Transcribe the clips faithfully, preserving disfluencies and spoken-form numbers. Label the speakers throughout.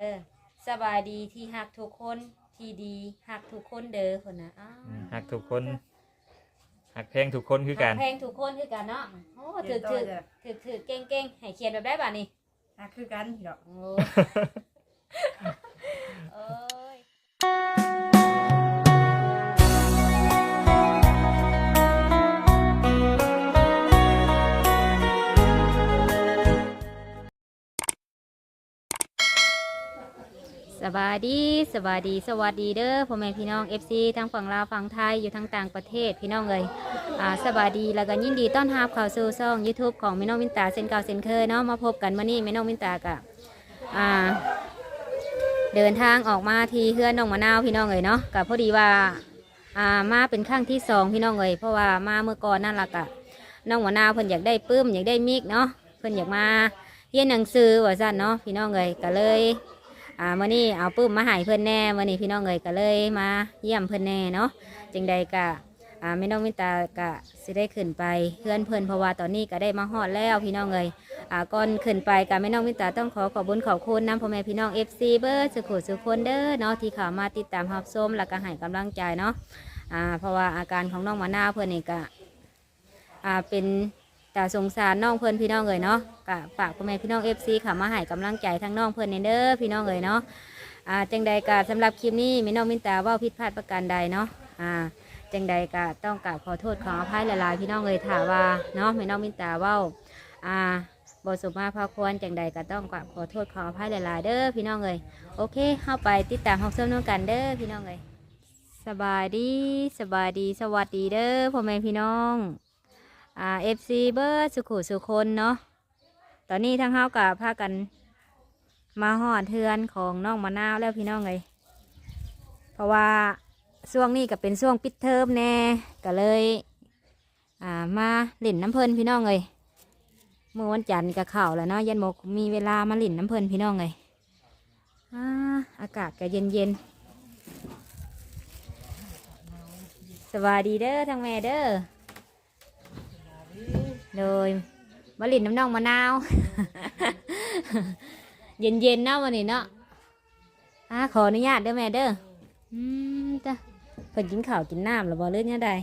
Speaker 1: ออสบายดีที่ฮักทุกคนที่ดีฮักทุกคนเด้อคนนะอ้าว
Speaker 2: ฮักทุกคนฮักแพงทุกคนคือกั
Speaker 1: ฮัก
Speaker 2: น
Speaker 1: แพงทุกคนคือกันเนาะโอ้ถือถือถือถือเก่งเก่งให้เขียนแบบได้ป่ะนี่
Speaker 3: ฮักคือกันดอก
Speaker 1: โอ้เอ้ยสบายดีสบายดีสวัสดีเด้อพ่อแม่พี่น้อง เอฟ ซี ทั้งฝั่งลาวฝั่งไทยอยู่ทั้งต่างประเทศพี่น้องเลยอ่าสบายดีแล้วก็ยินดีต้อนรับเข้าสู่ช่อง YouTube ของแม่น้องวินตาเซนเก่าเซนเคยเนาะมาพบกันวันนี้แม่น้องวินตากับอ่าเดินทางออกมาที่เฮือนน้องมะนาวพี่น้องเลยเนาะกับพอดีว่าอ่ามาเป็นครั้งที่สองพี่น้องเลยเพราะว่ามาเมื่อก่อนนั่นแหละกะน้องมะนาวเพิ่นอยากได้ปื้มอยากได้มิกเนาะเพิ่นอยากมาเรียนหนังสือว่าซั่นเนาะพี่น้องเลยก็เลยอ่ามื่อนี้เอาปื้มมาให้เพื่อนแน่มื่อนี้พี่น้องเอ๋ยก็เลยมาเยี่ยมเพื่อนแน่เนาะจึงใดกะอ่าไม่น้องมิตากะสิได้ขึ้นไปเพื่อนเพื่อนเพราะว่าตอนนี้ก็ได้มาฮอดแล้วพี่น้องเอ๋ยอ่าก่อนขึ้นไปกะไม่น้องมิตาต้องขอขอบคุญขอบคุณน้ำพ่อแม่พี่น้องเอฟซีเบอร์สุขุสุขคนเด้อเนาะที่เข้ามาติดตามรับชมแล้วก็ให้กำลังใจเนาะอ่าเพราะว่าอาการของน้องมะนาวเพื่อนนี่กะอ่าเป็นแต่สงสารน้องเพื่อนพี่น้องเอ๋ยเนาะกะฝากพ่อแม่พี่น้องเอฟซีเข้ามาให้กำลังใจทั้งน้องเพื่อนเด้อพี่น้องเอ๋ยเนาะอ่าจังใดกะสำหรับคลิปนี้แม่น้องมินตาว่าผิดพลาดประการใดเนาะอ่าจังใดกะต้องกราบขอโทษขออภัยหลายๆพี่น้องเลยถาว่าเนาะแม่น้องมินตาว่าอ่าบทสมมาพาควรจังใดกะต้องกราบขอโทษขออภัยหลายๆเด้อพี่น้องเลยโอเคเข้าไปติดตามห้องเสริมน้องกันเด้อพี่น้องเลยสบายดีสบายดีสวัสดีเด้อพ่อแม่พี่น้องอ่าเอฟซีเบอร์สุขุสุคนเนาะตอนนี้ทั้งเฮากับพากันมาหอดเทือนของน้องมะนาวแล้วพี่น้องเลยเพราะว่าช่วงนี้ก็เป็นช่วงปิดเทอมแน่ก็เลยอ่ามาหลินน้ำเพลินพี่น้องเลยเมื่อวันจันทร์ก็เข่าแล้วเนาะยันโมกมีเวลามาหลินน้ำเพลินพี่น้องเลยอ่าอากาศก็เย็นเย็นสวัสดีเด้อทางแม่เด้อโดยมาหลินน้ำน้องมะนาว เย็นเย็นเนาะวันนี้เนาะอ่าขออนุญาตเด้อแม่เด้ออืมจ้ะเพิ่นกินข้าวกินน้ำหรือบ่เรื่องยังไง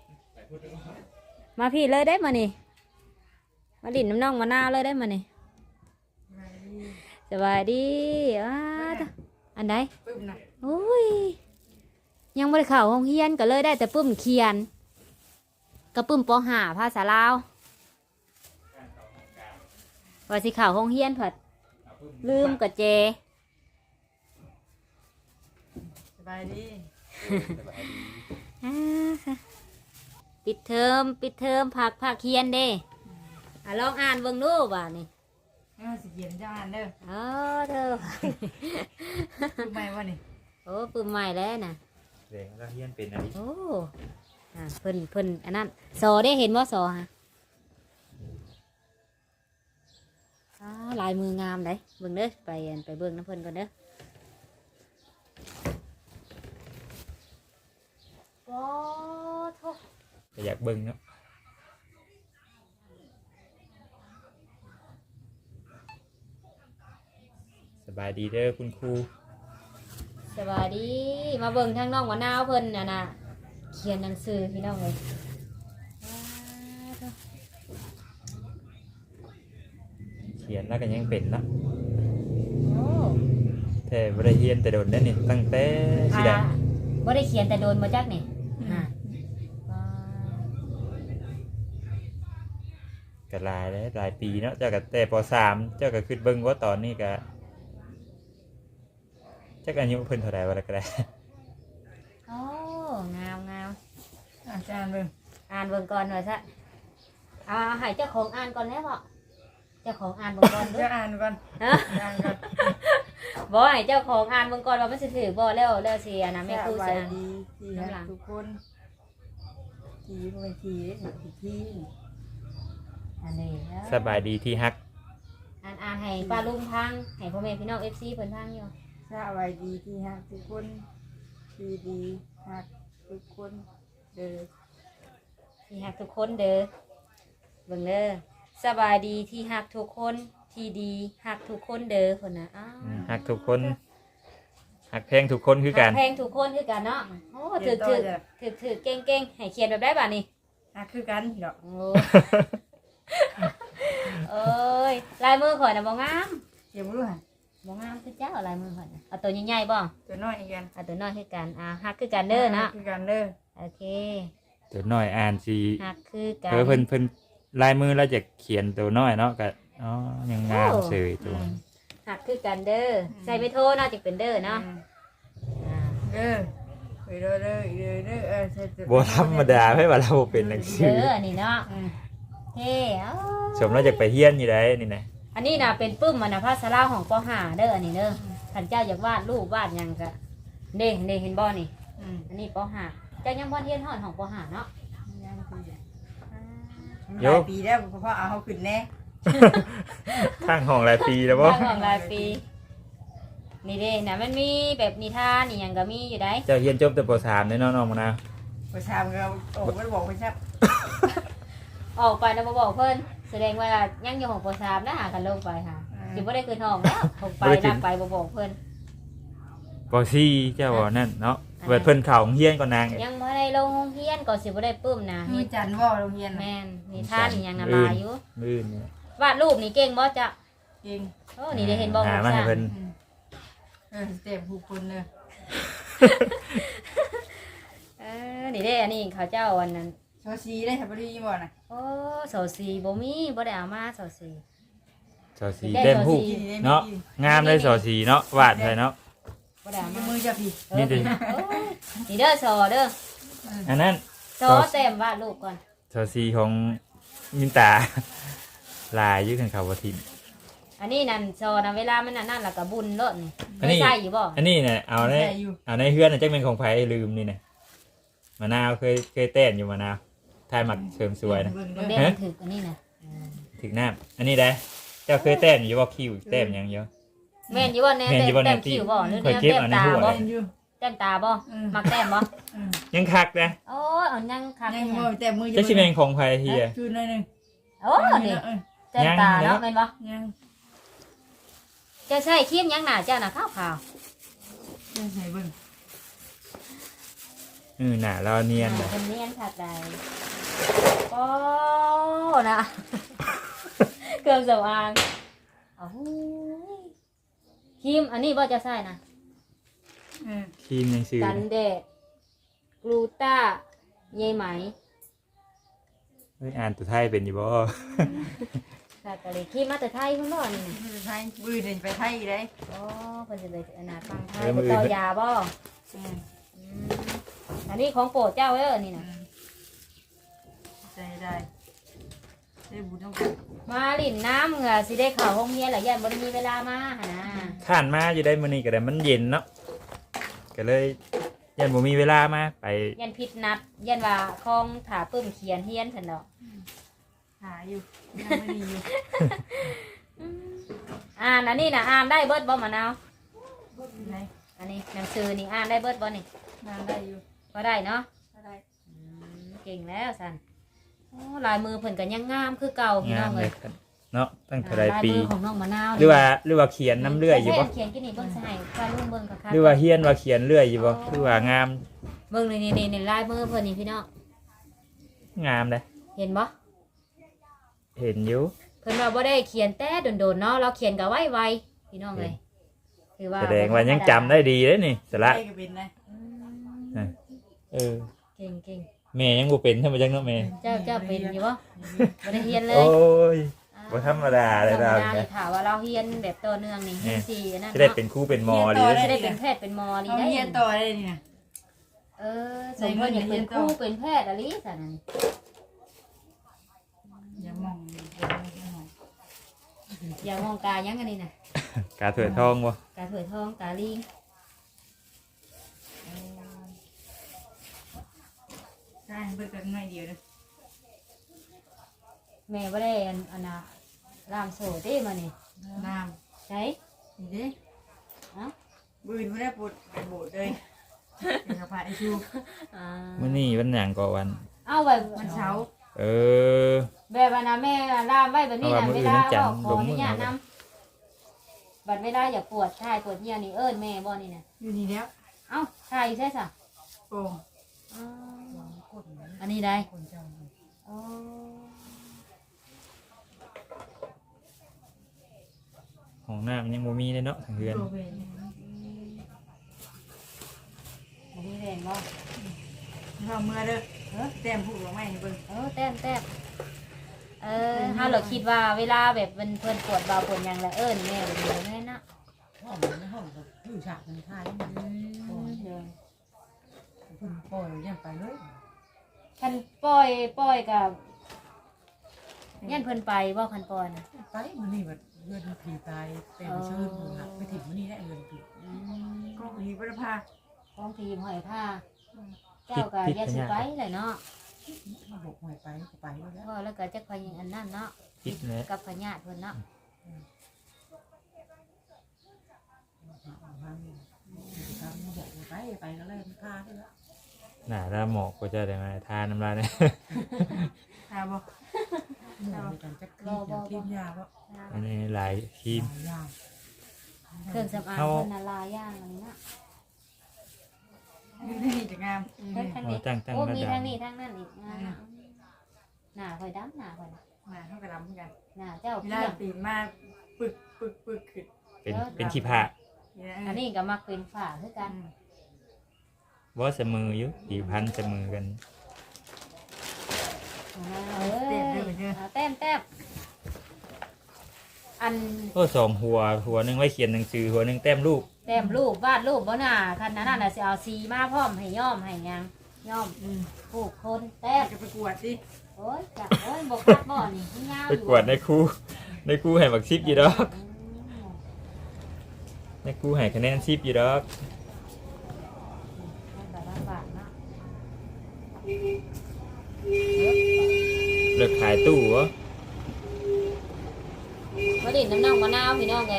Speaker 1: มาพี่เลยได้มานี่มาดินน้ำน่องมะนาวเลยได้มานี่สบายดีอ้าอันใดโอ้ยยังไม่ได้เข้าห้องเรียนก็เลยได้แต่ปุ้มเขียนกับปุ้มปห้าภาษาลาวว่าสิเข้าห้องเรียนเผิดลืมกับเจ
Speaker 3: สบายดี
Speaker 1: ปิดเทอมปิดเทอมผักผักเคียนเด้อ่ะลองอ่านเบิ่งดูบ่านี่
Speaker 3: เออสิเขียนจะอ่านเด้อ
Speaker 1: เออเธอ
Speaker 3: คือไม่ว่านี่
Speaker 1: โอ้ปืนใหม่แล้วน่ะ
Speaker 2: เด็กแล้วเฮียนเป็นอะไร
Speaker 1: โอ้อ่าเพิ่นเพิ่นอันนั้นสอได้เห็นว่าสอฮะอ๋อลายมืองามเลยเบิ่งเด้อไปไปเบิ่งน้ำเพิ่นก่อนเด้อโอ้โธ่
Speaker 2: ก็อยากเบิ่งเนาะสบายดีเด้อคุณครู
Speaker 1: สบายดีมาเบิ่งทางน้องมะนาวเพิ่นน่ะนะเขียนหนังสือพี่น้องเลย
Speaker 2: เขียนแล้วก็ยังเป็นละ
Speaker 1: โอ้
Speaker 2: แต่บ่ได้เฮียนแต่โดนได้นี่ตั้งแต่สิได้
Speaker 1: บ่ได้เขียนแต่โดนมาจักนี่อ่า
Speaker 2: ก็หลายแล้วหลายปีเนาะเจ้าก็แต่ป.สามเจ้าก็คิดเบิ่งว่าตอนนี้ก็จักอายุเพิ่นเท่าใดวะล่ะก็ได้
Speaker 1: โอ้งามงาม
Speaker 3: อาจารย์เบิ่ง
Speaker 1: อ่านเบิ่งก่อนหน่อยซะเอาให้เจ้าของอ่านก่อนแล้วบ่เจ้าของอ่านเบิ่งก่อนเด้
Speaker 3: ออ่านก่อนอ่านก่อน
Speaker 1: บ่ให้เจ้าของอ่านเบิ่งก่อนว่ามันสิถือบ่แล้วแล้วสิอันน่ะแม่ครูสิอ่าน
Speaker 3: ดีที่รักทุกคนที่บ่เป็นที่ที่ที่
Speaker 1: อันนี้
Speaker 2: สบายดีที่ฮัก
Speaker 1: อ่านอ่านให้ป้าลุงพังให้พ่อแม่พี่น้อง เอฟ ซี เพิ่นพังอยู่
Speaker 3: สบายดีที่ฮักทุกคนที่ดีฮักทุกคนเด้อ
Speaker 1: ที่ฮักทุกคนเด้อเบิ่งเด้อสบายดีที่ฮักทุกคนทที่ดีหักทุกคนเด้อคนน่ะอ้าว
Speaker 2: ฮักทุกคนฮักแพงทุกคนคือกัน
Speaker 1: หัแพงทุกคนคือกันเนาะโอ้ถือถือถือถือเก่งๆให้เขียนแบบได้บ่านี่
Speaker 3: หักคือกันพี่ดอก
Speaker 1: โอ้เอ้ยลายมือข่อยน่ะบ่งาม
Speaker 3: เดี๋ยวบ่รู้หั่น
Speaker 1: บ่งามคือเจ้าลายมือข่อยน่ะเอาตัวใหญ่ๆบ่
Speaker 3: ตัวน้อยอีกกัน
Speaker 1: เอาตัวน้อยคือกันอ่าหักคือกันเด้อเนาะ
Speaker 3: คือกันเด้อ
Speaker 1: โอเค
Speaker 2: ตัวน้อยอ่านสิ
Speaker 1: หักคือกัน
Speaker 2: เออเพิ่นเพิ่นลายมือแล้วจะเขียนตัวน้อยเนาะก็อ๋อยังงามเสยตัว
Speaker 1: หักคือกันเด้อใส่ไม่โทเนาะจึงเป็นเด้อเนาะอ่า
Speaker 3: เด้อไปเด้อเด้อเด้อเด้อเออใส่ตัว
Speaker 2: บ่ธรรมดาให้ว่าเราเป็นหนังสื
Speaker 1: เด้
Speaker 2: อ
Speaker 1: ออันนี้เนาะ
Speaker 3: อืม
Speaker 1: เฮ้เอ้า
Speaker 2: สมเราจะไปเฮียนอยู่ได้นี่นะ
Speaker 1: อันนี้น่ะเป็นปึ้มมันน่ะภาษาลาวของปห้าเด้ออันนี้เด้อท่านเจ้าอยากวาดรูปวาดหยังก็เด้เด้เห็นบ่นี่
Speaker 3: อืม
Speaker 1: อันนี้ปห้าเจ้ายังบ่เรียนฮอดของปห้าเนาะ
Speaker 3: ยังคือหลายปีแล้วเพราะเอาเขาขึ้นแน่
Speaker 2: ข้างห้องหลายปีแล้วบ่
Speaker 1: ทางของรายปีนี่เด้น่ะมันมีแบบนิทานนี่หยังก็มีอยู่ได้
Speaker 2: เจ้าเฮียนจบแต่ป .สาม เด้อเนาะน้องมะนาว
Speaker 3: ประชามก็โอ้ก็บอกไปชับ
Speaker 1: ออกไปนะบ่บอกเพิ่นแสดงว่ายังอยู่ของปสามนะหากันลงไปค่ะสิบ่ได้คืนห้องแล้วออกไปนำไปบ่บอกเพิ่น
Speaker 2: ป .สี่ เจ้าบ่นั่นเนาะเปิดเพิ่นเข้าโรงเรียนก่อนนาง
Speaker 1: ยังบ่ได้ลงโรงเรียนก็สิบ่ได้ปึ้มนะ
Speaker 3: มีจันว่าโรงเรียน
Speaker 1: แม่นนิทานนี่ยังน่ะมาอยู่
Speaker 2: มื้อนี่
Speaker 1: วาดรูปนี่เก่งบ่จ๊ะ
Speaker 3: เก่ง
Speaker 1: โอ้นี่ได้เห็นบ่
Speaker 2: หา
Speaker 1: ของ
Speaker 2: มาให้
Speaker 1: จ้ะ
Speaker 2: เพิ่น
Speaker 3: เออเต็มผู้คนเลย
Speaker 1: เออนี่เด้อันนี้เขาเจ้าอันนั้น
Speaker 3: ชอชีได้ทับรีบ่น่ะ
Speaker 1: โอ้เสาสีบ่มีบ่ได้เอามาเสาสี
Speaker 2: สอสีเล่มผู้เนาะงามเลยสอสีเนาะวาดไว้เนาะ
Speaker 1: บ่ได้เอามา
Speaker 3: มือจะพี่
Speaker 1: เออนี่นี่เด้อสอเด้อ
Speaker 2: อันนั้น
Speaker 1: สอเต็มวาดรูปก่อน
Speaker 2: สอสีของมินตา ลายอยืดกันเขาบ่ทิม
Speaker 1: อันนี้นั่นซอนะเวลามันนั่นนั่นแล้วก็บุญโลดนี่
Speaker 2: อันนี้
Speaker 1: ไม่ใช่อยู่บ่
Speaker 2: อันนี้เนี่ยเอาใน
Speaker 3: ได้อยู่
Speaker 2: เอาในเฮือนน่ะจักเป็นของไผลืมนี่นะมะนาวเคยเคยเต้นอยู่มะนาวทายหมักเสริมสวยนะ
Speaker 3: เบิ่ง
Speaker 1: มัน
Speaker 3: เด้
Speaker 1: เด้
Speaker 3: อ
Speaker 1: มันถึกอันนี้นะ
Speaker 2: ถึงน้ำอันนี้ได้เจ้าเคยเต้นอยู่ว่าคิวเต้นยังเยอะ
Speaker 1: แม่นอยู่บ่แน่
Speaker 2: แม่นอยู่บ่
Speaker 1: แต้
Speaker 2: แน่
Speaker 1: มคิ้วบ่หรือ
Speaker 2: ข่อย
Speaker 1: แนว
Speaker 2: เก็บ
Speaker 1: แต้ม
Speaker 2: อันใน
Speaker 1: ตา
Speaker 2: หัว
Speaker 1: บ่
Speaker 3: เล่นอยู่
Speaker 1: แต้มตาบ่มักแต้มบ่
Speaker 3: อืม
Speaker 2: ยังคักนะ
Speaker 1: โอ้ยเอายังคัก
Speaker 3: ยัง
Speaker 1: เนี่ย
Speaker 3: บ่แต่มือ
Speaker 2: เจ้าชิเมนของไผเฮีย
Speaker 3: คือหน่อยนึง
Speaker 1: โอ้นี่แต้มตาเนาะแม่นบ่
Speaker 3: ยัง
Speaker 1: เจะใช้ครีมยังหน้าเจ้าน่ะขาว
Speaker 3: ยังใส่เบิ่ง
Speaker 2: เออหน่าเราเนี
Speaker 1: ๆ
Speaker 2: ยน
Speaker 1: อ่า
Speaker 2: นะ
Speaker 1: เป็นเนียนคักใดโอ้นะ เครื่องสำอางโอ้โหครีมอันนี้บ่จะใช้นะ
Speaker 3: อืม
Speaker 2: ครีมยังซื้อ
Speaker 1: กันแดดกลูต้าเยไหม
Speaker 2: เฮ้ยอ่านตัวไทยเป็นอยู่บ่
Speaker 1: ค่ะกะเลยขี้มาแต่ไทยคุณบ่นี่นะ
Speaker 3: มือไทยมือเดินไปไทยได้
Speaker 1: โอ้เพิ่นสิไปอนาฟังไทยไปต่อยาบ่
Speaker 3: อืม
Speaker 1: อืมอันนี้ของโปรดเจ้าเด้อนี่
Speaker 3: อื
Speaker 1: นะ
Speaker 3: มใจได้ได้บุญต้องกัน
Speaker 1: มาลิ่นน้ำเหงื่อสิได้เข้าห้องเรียนแล้วยันบ่ได้มีเวลามาหั่นนะ
Speaker 2: ข้านมาอยู่ได้มื้อนี้ก็ได้มันเย็นเนาะก็เลยยันบ่มีเวลามาไป
Speaker 1: ยันผิดนัดยันว่าของถาปึ้มเขียนเฮียนซั่นดอก
Speaker 3: หาอยู่ยังไม่มีอยู่
Speaker 1: อ่านอันนี้น่ะอ่านได้เบิดบ่มะนาว
Speaker 3: ไหน
Speaker 1: อันนี้หนังสือนี่อ่านได้เบิดบ่นี่
Speaker 3: งานได้อยู่
Speaker 1: ก็ได้เนาะ
Speaker 3: ได้
Speaker 1: อืมเก่งแล้วซั่นโอ้ลายมือเพิ่นก็ยังงามคือเก่าพี่
Speaker 2: งา
Speaker 1: น้อ
Speaker 2: ม
Speaker 1: ง
Speaker 2: เล
Speaker 1: เอ้
Speaker 2: ย
Speaker 1: ย
Speaker 2: เนาะตั้งแต่หลาย
Speaker 1: ลาย
Speaker 2: ปี
Speaker 1: มือของน้องมะนาว
Speaker 2: หรือว่าหรือว่าเขียนน้ำเลื่อยอยู่บ่
Speaker 1: เขียนกินนี่เบิ่งสิให้ว่าลุงเบิ่งคักๆ
Speaker 2: หรือว่าเฮียนว่าเขียนเลื่อยอยู่บ่หรือว่างาม
Speaker 1: เบิ่งนี่นี่นี่ลายมือเพิ่นนี่พี่น้อง
Speaker 2: งามเลย
Speaker 1: เห็นบ่
Speaker 2: เห็นอยู่
Speaker 1: เพิ่นว่าบ่ได้เขียนแต่โดนๆเนาะเราเขียนก็ไวๆพี่น้องเอ้ยถือว่า
Speaker 2: แสดงว่ายังจำได้ดีเลยนี่สละ
Speaker 3: ได้ก็เป็นนะ
Speaker 1: อืม
Speaker 2: เออ
Speaker 1: เก่งเก่ง
Speaker 2: แม่ยังบ่เป็นใช่ไหมจังเนาะแม่
Speaker 1: เจ้าเจ้าเป็นอยู่บ่บ่ได้เรียนเลย
Speaker 2: โอ้ยบ่ธรรมดาเลย
Speaker 1: ธร
Speaker 2: เรา
Speaker 1: รมดา
Speaker 2: เนี่
Speaker 1: นี่
Speaker 2: ย
Speaker 1: ถามว่าเราเรียนแบบต่อเนื่องนี่เรียนสี่อันนั่น
Speaker 2: จะได้
Speaker 1: เนาะ
Speaker 2: เป็นครูเป็นหมอดี
Speaker 1: จะได้เป็นแพทย์เป็นหมอดี
Speaker 3: เอา
Speaker 1: ได้
Speaker 3: เรียนต่อได้นี่นะ
Speaker 1: เออสมเพิ่นอยากเป็นครูเป็นแพทย์อะไรซั่นน่ะ
Speaker 3: อย่ามองอย่ามอง
Speaker 1: อย่ามองกายังอันนี้น่ะ
Speaker 2: กาเถื่อนทองบ่
Speaker 1: กาเถื่อยทองกาลิง
Speaker 3: ใช่เบิกกันหน่อยเดียวนะ
Speaker 1: แม่บ่ได้อันอันน่ะรามโสดเด้มานี่
Speaker 3: น้
Speaker 1: ใช่
Speaker 3: ำนี่เด้
Speaker 1: เอ้า
Speaker 3: บืนไม่ได้ปวดไปโบดเลยเป็นกระเพาะไอชู
Speaker 1: อ่า
Speaker 2: มื้อนี้วันหยังก็วัน
Speaker 1: เอาไว้
Speaker 3: วันเช้าร์
Speaker 2: วเออ
Speaker 1: แบบว่านะแม่ล่ามไว้แบบนี้นะ
Speaker 2: เอาว่ามื้
Speaker 1: เว
Speaker 2: ออื่น
Speaker 1: ลา
Speaker 2: น้ำจันทร์
Speaker 1: ก็ขออนุญาต
Speaker 2: ลงมื้อ
Speaker 1: นํบัดเวลาอย่าปวดท้ายปวดเหี่ยวนี่เอิ้นแม่บ่นี่น่ะ
Speaker 3: อยู่นี่แล้ว
Speaker 1: เอ้าใช่ใช่ซะ
Speaker 3: โป่ง
Speaker 1: อ๋ออันนี้ได้อ๋อ
Speaker 2: ห้องน้ำยังบ่มีเลยเนาะทางเรือน
Speaker 3: โปรเวน
Speaker 1: บ่มีแรงบ่
Speaker 3: เราเมื่อเด้อเออแต้มผูกลงไม้ให้เบิ่ง
Speaker 1: เออแต้มแต้มเออเฮาเราคิดว่าเวลาแบบมันเพิ่นปวดเบาปวดหยังแล้วเอิ้นแม่แบบนี้แม่นนะ
Speaker 4: ห้องในห้องก็อยู่ฉากมันท่านี่มัน
Speaker 1: อืมเดี๋ยว
Speaker 4: เพิ่นปล่อยยันไปเลย
Speaker 1: คันปล่อยปล่อยกับยันเพิ่นไปบ่คันปล่อยน่ะ
Speaker 4: ไปมันนี่แบบเงินผีตายแต่ไปเชิญหักไปถิ่มมันนี่ได้เงินผี
Speaker 1: อืม
Speaker 3: ก็มีบริพา
Speaker 1: ของทีมหอยผ้าเจ้าก็อย่าสิไปเลยเนาะ
Speaker 4: มาบอกหวยไปก็ไปแล้ว
Speaker 1: ก็แล้วก็จักพยังอันนั้นเนาะ
Speaker 2: คิดแหละ
Speaker 1: กับพญาติเพิ่นเนาะ
Speaker 4: ทางทางบอกไปไปก็เลยพาด้วย
Speaker 2: หน้าละหมอกก็จะได้มาทานน้ำลายเนี่ย
Speaker 3: หาบ่
Speaker 4: หนูกันจักรีบอย่างทีมยาก็
Speaker 2: อันนี้หลายครีม
Speaker 4: ยา
Speaker 1: เครื่องสำอางเพิ่นน่ะลายอย่างอันนี้เนาะ
Speaker 3: นี่นี่จะงาม
Speaker 1: เพิ่นทาง
Speaker 2: โอ้
Speaker 1: นี้
Speaker 2: ตั้งตั้ง
Speaker 1: โอ้
Speaker 2: ระ
Speaker 1: มี
Speaker 2: ดั
Speaker 1: ทา
Speaker 2: บ
Speaker 1: งนี้ทางนั้นอีกอ่าหน้าข่อยดำหน้าข่อยน่ะ
Speaker 3: มาเท่ากับลำเหมือนกัน
Speaker 1: หน้าเจ้า
Speaker 3: เว
Speaker 1: เพี
Speaker 3: ลาย
Speaker 1: ง
Speaker 3: ตีนมาปึกปึกปึกขึ้น
Speaker 2: เป็นเป็นขี้ผ้า
Speaker 1: อันนี้ก็มักเป็นฝ้าคือกัน
Speaker 2: ว่าเสมออยู่กี่พันเสมอกัน
Speaker 1: เอ้ยอ่าแต้มแต้มอัน
Speaker 2: ก็สองหัวหัวหนึงไว้เขียนหนังสือหัวหนึงแต้มรูป
Speaker 1: แต้มรูปวาดรูปบ่น่ะคันนั้นน่ะสิเอาสีมาพร้อมให้ย่อมให้หยังย่อม
Speaker 3: อืม
Speaker 1: ผูกคนแต้ม
Speaker 3: จะไปกวดสิ
Speaker 1: โอ้ยจับโอ้ยบกคัดบ่อนี่ที่ยาว
Speaker 2: ไปกวดในครูในครูให้บักซิปอยู่ดอกในครูให้คะแนนซิปอยู่ดอก
Speaker 1: แบบลำบากเนาะ
Speaker 2: เลิกขายตู้เหรอ
Speaker 1: มาดินน้ำน่องมะนาวพี่น้องไง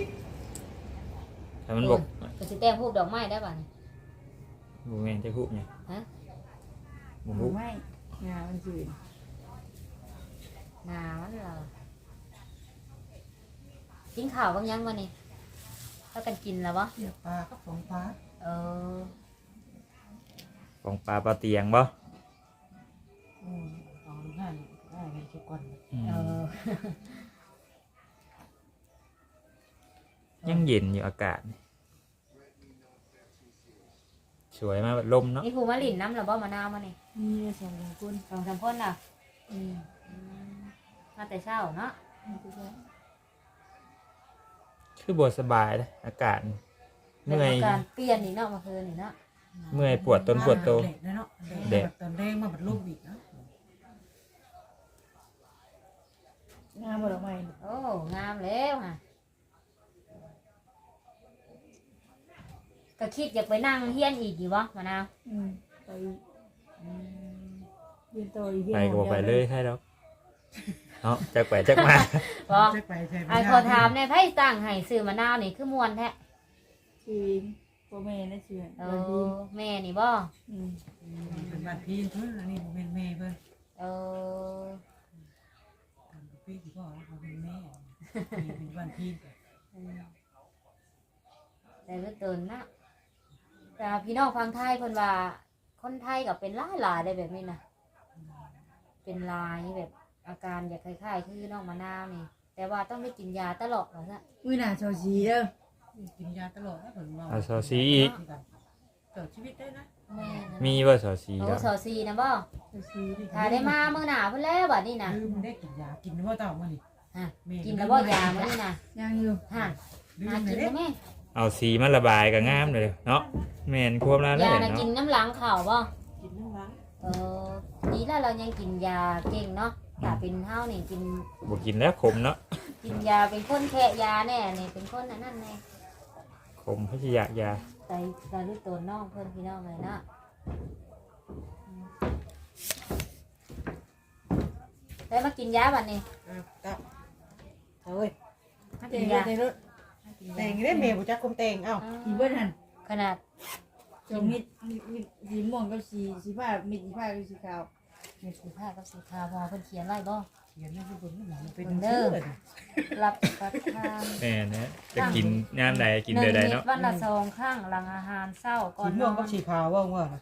Speaker 2: ถ้ามันบอก
Speaker 1: ก็สิแต่งรูปดอกไม้ได้ป่ะนี่
Speaker 2: บุแมนจะคุบไง
Speaker 1: ฮะ
Speaker 2: บุ
Speaker 3: ห
Speaker 2: คุ
Speaker 3: มู
Speaker 2: บ
Speaker 3: ไม่งามันจืด
Speaker 1: หนามันเหรอกินข้าวบางยังวะนี่ถ้ากันกินแล้ววะ
Speaker 4: เสียปลาก็สองปลา
Speaker 1: เออ
Speaker 2: ของปลาปลาเตียงบ่
Speaker 4: อืมเอาห้าได้ให้ทุกคน
Speaker 2: อืม
Speaker 1: เออ
Speaker 2: ยังเย็นอยู่อากาศ สวยมากแบบลมเนาะ
Speaker 1: นี่ครูมาลินน้ำหรือบ่มะนาวมานี่
Speaker 3: นี่สองคน
Speaker 1: สองสามคนน่ะ
Speaker 3: อืม
Speaker 1: อืมมาแต่เช้าเนาะ
Speaker 2: คือบวสบายเลยอากาศ
Speaker 1: เป็น
Speaker 2: เมื่อย
Speaker 1: อาการเปลี่ยนนี่เนาะเมื่อคืนนี่เนาะ
Speaker 2: เมื่อยปวดต้นปวดโต
Speaker 4: เด็กนะเนาะเด็กตอนแรกมาบัดลูกอีกนะ
Speaker 3: งามบ่ดอกไม้
Speaker 1: โอ้งามแล้วค่ะก็คิดอยากไปนั่งเฮียนอีกอยู่วะมะนาว
Speaker 3: อืมไปยืนโตอีก
Speaker 2: ไปก็บอกไปเลยใช่แล้วเนาะจักไปจักมา
Speaker 1: บอก
Speaker 4: จะไปใช่ไหม
Speaker 1: ไอ้ขอถามเนี่ยไพ่ตั้งให้ซื้อมะนาวนี่คือมวนแท้
Speaker 3: ชีนโปรเมนนะเชื่อ
Speaker 1: เอ
Speaker 3: วันดี
Speaker 1: อแม่นี่บ่
Speaker 3: อืม
Speaker 4: เป็นบ้านพี่เพิ่นอันนี้ผมเป็นแม่เพิ่น
Speaker 1: เออ
Speaker 4: พี่ที่พ่อเขาเป็นแม่เป็นบ้านพี่
Speaker 1: แต่ก็เตือนนะแต่พี่น้องฟังไทยเพิ่นว่าคนไทยกับเป็นหลายหลายๆได้แบบนี้นะเป็นลายแบบอาการอยากคล้ายๆคือน้องมะนาวนี่ แต่ว่าต้องได้กินยาตลอดเหรอซะ
Speaker 3: อุ้ยน่าชอชีเด้อ
Speaker 4: กินยาตลอดนะผมว่า
Speaker 2: เอาซอซีอีก
Speaker 4: ต่อชีวิตได้นะ
Speaker 1: แม่นะ
Speaker 2: มีว่าซอซี
Speaker 1: โอ้
Speaker 2: แล้ว
Speaker 1: สอซีนะบ่
Speaker 3: ชอชีดิ
Speaker 1: ถ้าได้มาเมื่อหนาเพิ่นแล้วบัดนี้นะ
Speaker 4: ลืมได้กินยากินว่าเต่ามานี่
Speaker 1: ฮะกินแล้วบ่ยามื้อนี้นะ
Speaker 3: ยังอยู่
Speaker 1: ฮะ
Speaker 4: ลื
Speaker 1: หาม กิน
Speaker 4: เลย
Speaker 1: ได้ไหม
Speaker 2: เอาสีมาระบายกับงามเลยเนาะแมนควบแล้วเลย
Speaker 1: ยาน่ะ
Speaker 2: เนาะ
Speaker 1: กินน้ำหลังข่าวบ่
Speaker 4: กินน้ำล้าง
Speaker 1: เออดีแล้วเรายังกินยาเก่งเนาะถ้าเป็นเฮานี่กิน
Speaker 2: บกินแล้วขมเนาะ
Speaker 1: กินยาเป็นคนแค่ยาแน่นี่เป็นคนอันนั้นแน่
Speaker 2: ขมพยายา
Speaker 1: ใส่ใส่ลูกตัวน้องเพิ่นพี่น้องเลยเนาะได้มากินยาบัดนี้
Speaker 4: อ่ะตับเฮ้ย
Speaker 1: มา
Speaker 4: แต่
Speaker 1: กิ
Speaker 4: ง
Speaker 1: นยา
Speaker 4: ได้รถแต่งได้เมย์บุจักคมแต่งเอ้า
Speaker 3: กี่เบิ้ลหัน
Speaker 1: ขนาด
Speaker 3: จงมิดมิดมิดสีม่วงกับสีสีผ้ามิดสีผ้ากับสีขาว
Speaker 1: เม็ดสีผ้ากับสีขาวพอเพิ่นเขียนไว้บ่
Speaker 4: เขียนไม่เป็นหนังเป็น
Speaker 1: เด้อ รับประทาน
Speaker 2: แม่นะจะกินยามใดกิน
Speaker 1: ห
Speaker 2: เดื
Speaker 1: นึ่
Speaker 2: อง ใด
Speaker 1: เม็ด
Speaker 2: เนาะ
Speaker 1: วันละสองครั้งหลังอาหารเช้าก่อ
Speaker 4: สี
Speaker 1: นน
Speaker 4: ม่ว
Speaker 1: อง
Speaker 4: กับ
Speaker 1: น
Speaker 4: สีขาวว่าว่านะ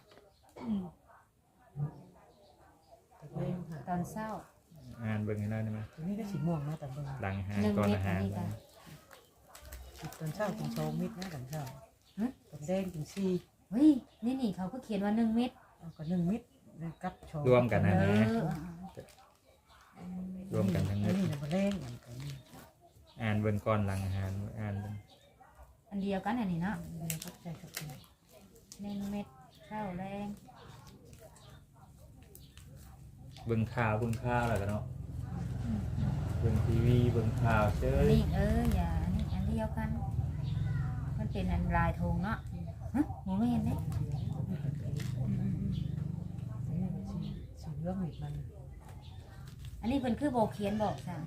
Speaker 4: แต่ก็ยังหา
Speaker 1: ตอนเช้า
Speaker 2: อ่านเบิ่งให้ได้ไหม
Speaker 4: ตัวนี้ก็สีม่วงนะแต่เบิ่ง
Speaker 2: หลังอาหาร
Speaker 1: หนึ่ง
Speaker 2: ก่อน
Speaker 1: เม็ด
Speaker 2: อา
Speaker 1: อั
Speaker 2: หาน ร
Speaker 1: นี้ค่ะ
Speaker 4: ตอนเช้ากินโชว์มิดนะตอนเช้า
Speaker 1: หึ
Speaker 4: ตอนแดงกินซี
Speaker 1: เฮ้ยนี่นี่เขาก็เขียนว่าหนึ่งเม็ด
Speaker 4: ก็หนึ่งมิดกับโชว์
Speaker 2: รวมกัน
Speaker 1: เอ
Speaker 2: นะนะ
Speaker 1: อ
Speaker 2: รวมกันทั้ง
Speaker 4: อั
Speaker 2: นั้น
Speaker 4: นี้นะมาแดงอันนี้
Speaker 2: อ่านเบิ่งก่อนหลังอาหารอ่านเบิ่ง
Speaker 1: อันเดียวกันอันนี้เนาะ
Speaker 4: เดี๋ยวก็ใจกับตัว
Speaker 1: หนึ่งเม็ดเช้าแรง
Speaker 2: เบิ่งข่าวเบิ่งข่าวแล้วกันเนาะเบิ่งทีวีเบิ่งข่าวเช
Speaker 1: อัน
Speaker 2: ย
Speaker 1: นี้เอออย่าอันนี้อันเดียวกัน มันเป็นอันลายธงเนาะฮะหมูไม่เห็นเนี่ย
Speaker 4: สีเหลืองมิดมัน
Speaker 1: อันนี้เป็นคือโบเขียนบอกจ้ะ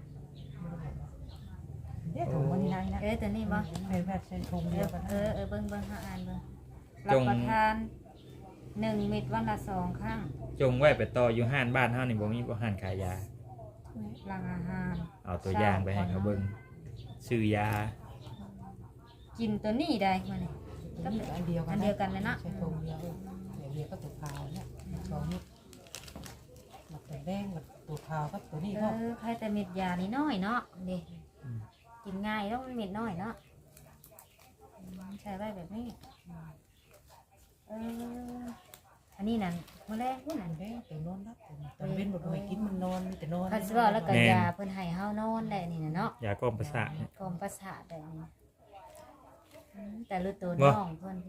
Speaker 4: เนี่ยถุงมันนี่นายนะ
Speaker 1: เออตัวนี้บ่
Speaker 4: เป็นแบบเส้นถุง
Speaker 1: เอ
Speaker 4: เดีย
Speaker 1: อ
Speaker 4: วกัน
Speaker 1: เออเออเบิ้งเบิ้งห้าอันเบิ้งรับประทานหนึ่งเม็ดวันละสองครั้ง
Speaker 2: จงไว้ไปต่ออยู่ห้านบ้านเฮานี่บ่มีบ่ห้านขายยา
Speaker 1: หลังอาหาร
Speaker 2: เอาตัวอย่างไปให้เขาเบิ่งซื้อยา
Speaker 1: กินตัวนี้ได้มาเนี่ย
Speaker 4: ก็เป็นอันเดียวกัน
Speaker 1: อันเดียวกันเลยเนาะ
Speaker 4: ใช้ถุงเดียวเดี๋ยวเดียวก็ตัวขาวเนี่ยโชว์มิดหมักแดงกับตัวขาวกับตัวนี้
Speaker 1: เอ
Speaker 4: ก็
Speaker 1: อใครแต่เม็ดยานี่น้อยเนาะนี่กินง่ายแล้วมันเม็ดน้อยเนาะใช้ไว้แบบนี้เอออันนี้นั่นมื้อแรกพุ่น
Speaker 4: อั
Speaker 1: นั่น
Speaker 4: นแดงตัวนอนรับตอนเว้นบ่ไปกินมันนอนมีแต่นอน
Speaker 1: คันสิว่าแล้วก็ยาเพิ่นให้เฮานอนได้นี่น่ะเนาะ
Speaker 2: ยากล่อมประสาทเนี่ย
Speaker 1: กรมประสาทได้นี่อืมแต่รู้ตัว
Speaker 2: บ่
Speaker 1: น้องเพิ่น